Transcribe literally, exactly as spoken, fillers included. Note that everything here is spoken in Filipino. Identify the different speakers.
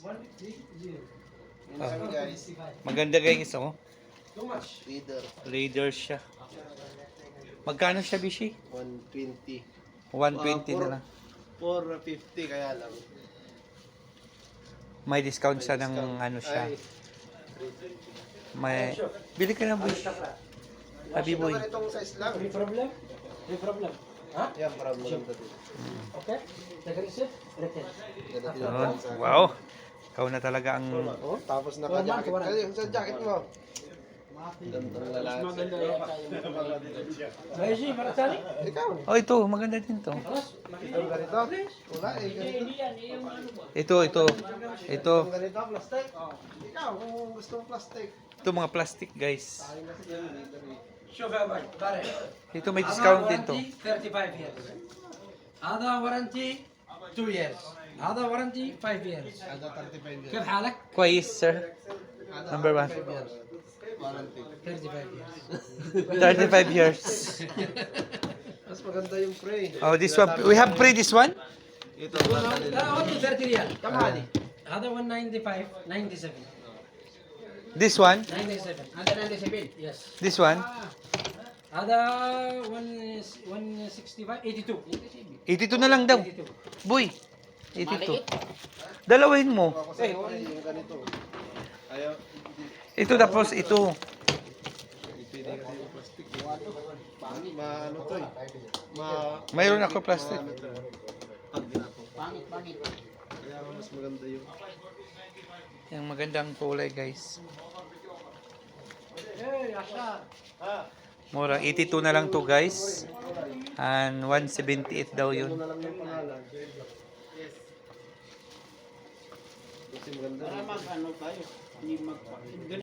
Speaker 1: Ah,
Speaker 2: guys.
Speaker 1: maganda guys, oh.
Speaker 2: Leader.
Speaker 1: Raider siya. Magkano siya, Bishi?
Speaker 2: one twenty.
Speaker 1: one twenty na lang.
Speaker 2: four fifty kaya lang.
Speaker 1: May discount siya ng
Speaker 2: Discount.
Speaker 1: ano siya.
Speaker 2: Ay,
Speaker 1: May bili ka ng Bishi. Sabi boy.
Speaker 2: Ito ganitong size lang.
Speaker 3: May problem? May problem. Ha?
Speaker 2: Yan, marami lang dito.
Speaker 3: Okay? Nag-receive? Return.
Speaker 2: Ganito
Speaker 1: Yun.
Speaker 2: yung sa
Speaker 1: Wow. Ikaw na talaga ang
Speaker 2: Oh, tapos naka-jacket ka. Yung sa jacket mo. Gandang lalaki.
Speaker 3: Maganda yan tayo. Beshi, Marasali?
Speaker 2: Ikaw.
Speaker 1: Oh, ito maganda din to.
Speaker 3: Alas,
Speaker 2: Ang ganito. Wala eh. Ganito.
Speaker 3: hindi yan. Yung ano ba?
Speaker 1: Ito, ito. Ito.
Speaker 2: Ang ganito, plastic. Ikaw, kung gusto mong plastic.
Speaker 1: Ito mga plastic, guys.
Speaker 2: Ayun na siya. Leader eh.
Speaker 3: Sugar bag. Bare.
Speaker 1: Ito may discount din to.
Speaker 3: thirty-five years. Other warranty, two years. Other warranty, five years.
Speaker 2: Ada thirty-five years.
Speaker 3: كيف حالك؟
Speaker 1: Kwais, sir.
Speaker 2: Ada
Speaker 1: Number one.
Speaker 2: thirty-five years. Warranty.
Speaker 3: thirty-five years.
Speaker 1: thirty-five years.
Speaker 2: Mas maganda yung pre.
Speaker 1: Oh, this one. We have pre this one?
Speaker 2: Ito,
Speaker 3: لا only thirty ريال. كم هذه؟ هذا one ninety-five, ninety-seven.
Speaker 1: This one?
Speaker 3: ninety-seven. هذا ninety-seven. Yes.
Speaker 1: This one?
Speaker 3: هذا one one sixty-five, eighty-two.
Speaker 1: eighty-two na lang daw.
Speaker 3: eighty-two.
Speaker 1: Boy, eighty-two. Dalawahin mo.
Speaker 2: Eh, yung ganito. Ayaw.
Speaker 1: Ito tapos ito.
Speaker 2: Ipili kasi yung plastic. Ma, ano to eh. Ma,
Speaker 1: Mayroon ako plastic.
Speaker 2: ma- ano to eh. Pag binato. Pangit, pangit. Kaya mas maganda yung
Speaker 1: Yung magandang kulay, guys.
Speaker 3: Hey, Asha.
Speaker 1: Mura, eighty-two na lang to, guys. And one seventy-eight daw
Speaker 2: ano
Speaker 1: yun.
Speaker 2: na lang yung pangalan. Yes. Kasi maganda.
Speaker 4: Para mag ano tayo, hindi mag